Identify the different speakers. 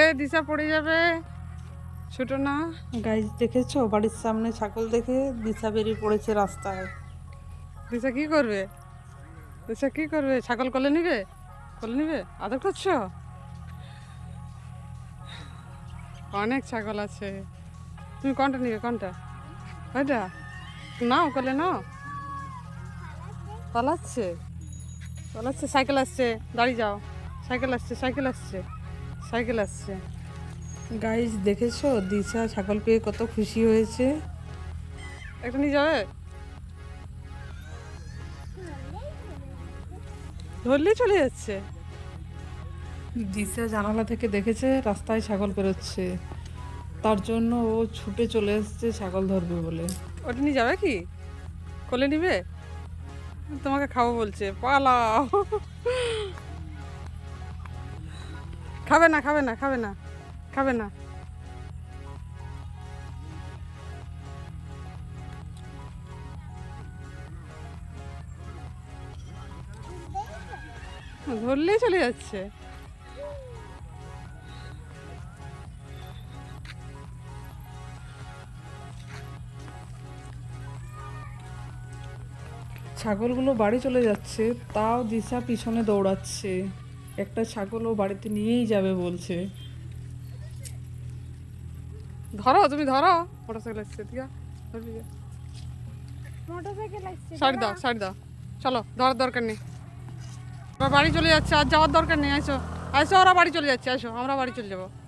Speaker 1: দিশা পড়ে যাবে, ছোট না। গাইজ দেখেছো, বাড়ির সামনে ছাগল দেখে দিশা বেরিয়ে পড়েছে রাস্তায়। দিশা কি করবে? দিশা কি করবে? ছাগল কোলে নিবে? কোলে নিবে? আদর করছো? অনেক ছাগল আছে। তুমি কোনটা নিবে? কোনটা? ওইটা নাও, কোলে নাও। পালাচ্ছে, পালাচ্ছে। সাইকেল আসছে, দাঁড়িয়ে যাও। সাইকেল আসছে, সাইকেল আসছে, সাইকেল আসছে। গাইজ দেখেছো, দিশা ছাগল পেয়ে কত খুশি হয়েছে। একটা নিয়ে যাবে? ধরলেই চলে যাচ্ছে। দিশা জানালা থেকে দেখেছে রাস্তায় ছাগল বেরোচ্ছে, তার জন্য ও ছুটে চলে এসছে ছাগল ধরবে বলে। ওটা নিয়ে যাবে কি? কোলে নিবে? তোমাকে খাবো বলছে, পালাও। খাবে না, খাবে না, খাবে না, খাবে না। ধরলেই চলে যাচ্ছে। ছাগলগুলো বাড়ি চলে যাচ্ছে, তাও দিশা পিছনে দৌড়াচ্ছে। একটা ছাগল ও বাড়িতে নিয়েই যাবে বলছে। ধরো, তুমি ধরো। মোটরসাইকেল আসছে, দিয়া ধরবি?
Speaker 2: মোটরসাইকেল আসছে,
Speaker 1: সাইড দাও, সাইড দাও। চলো, ধরার দরকার নেই। ওরা বাড়ি চলে যাচ্ছে, আর যাওয়ার দরকার নেই। আসো, আসো, ওরা বাড়ি চলে যাচ্ছে। আসো, আমরা বাড়ি চলে যাবো।